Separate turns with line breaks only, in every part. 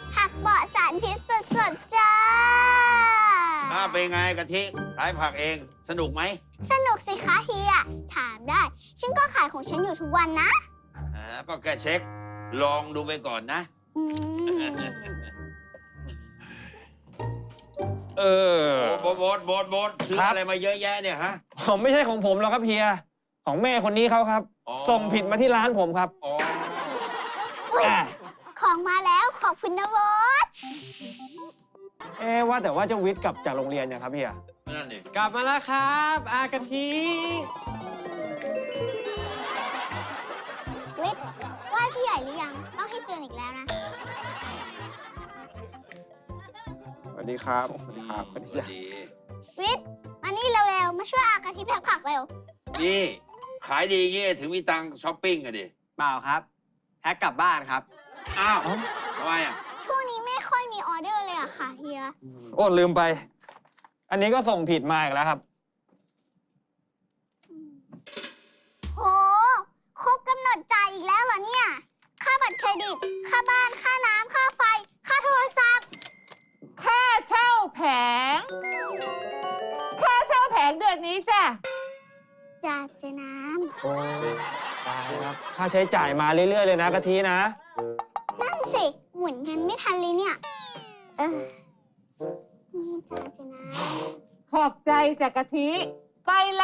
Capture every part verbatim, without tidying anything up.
ผักเบาะสารพิษสดๆจ้า
ถ้าเป็นไงกะทิขายผักเองสนุกไหม
สนุกสิคะเฮีย ถามได้ ฉันก็ขายของฉันอยู่ทุกวันนะ
อ่าก็แค่เช็ค ลองดูไปก่อนนะ
อืม
เออ
โบทโบทโบทโบทซื้อ
ครับ
อะไรมาเยอะแยะเนี่ยฮะ
ผมไม่ใช่ของผมหรอกครับเฮีย ของแม่คนนี้เขาครับ
อ๋อ
ส่งผิดมาที่ร้านผมครับ
อ๋อ
อุ๊ย
อ่ะ
ของมาแล้วขอบคุณนะโวต
เอ๊ะว่าแต่ว่าเจ้าวิทย์กลับจากโรงเรียนเนี่ยครับเฮีย
นั่นดิ
กลับมาแล้วครับ อากะทิ
วิทย์ไหว่าพี่ใหญ่หรือยัง ต้องให้เตือนอีกแล้วนะ
สวัสดีครับสวัสดีครับสวัสดี
สวั
จ้ะ
สดี
วิทย์มานี่เร็วๆ มาช่วยอากาทิแพ็คผักเร็ว
นี่ขายดีงี้ถึงมีตังค์ช้อปปิ้งอะดิ
เปล่าครับแพ็กกลับบ้านครับ
อ้าวทำไมอ่ะ
ช่วงนี้ไม่ค่อยมีออเดอร์เลยอะค่ะเฮีย
โอ้ลืมไป อันนี้ก็ส่งผิดมาอีกแล้วครับ
โห ครบกำหนดจ่ายอีกแล้วเหรอเนี่ย ค่าบัตรเครดิต ค่าบ้าน ค่าน้ำ ค่าไฟ ค่าโทรศัพท์
ค่าเช่าแผง ค่าเช่าแผงเดือนนี้จ้ะ
จ่าเจน้
โอ้ตายครับ ค่าใช้จ่ายมาเรื่อย ๆ เลยนะกะทินะ
ำนั่นสิ หมุนเงินไม่ทันเลยเนี่ย เออ นี่จ่าเจน้
ขอบใจจากกะทิ ไปละ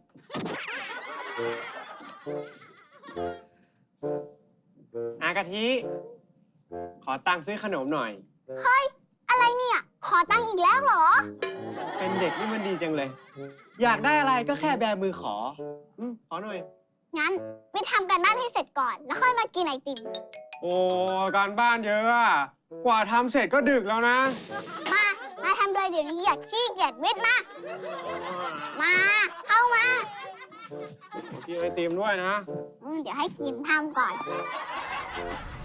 อากะทิ ขอตังค์ซื้อขนมหน่อย
ำเฮ้ย อะไรเนี่ย ขอตังค์อีกแล้วเหรอ
เป็นเด็กนี่มันดีจังเลย อยากได้อะไรก็แค่แบมือขออืมขอหน่อย
งั้นวิทย์ทำการบ้านให้เสร็จก่อน แล้วค่อยมากินไอติม
โอ้การบ้านเยอะอะกว่าทำเสร็จก็ดึกแล้วนะ
มา มาทำเลยเดี๋ยวนี้อย่าขี้เกียจวิทย์มา มา เข้ามา
กินไอติมด้วยนะ
อืมเดี๋ยวให้กินทำก่อน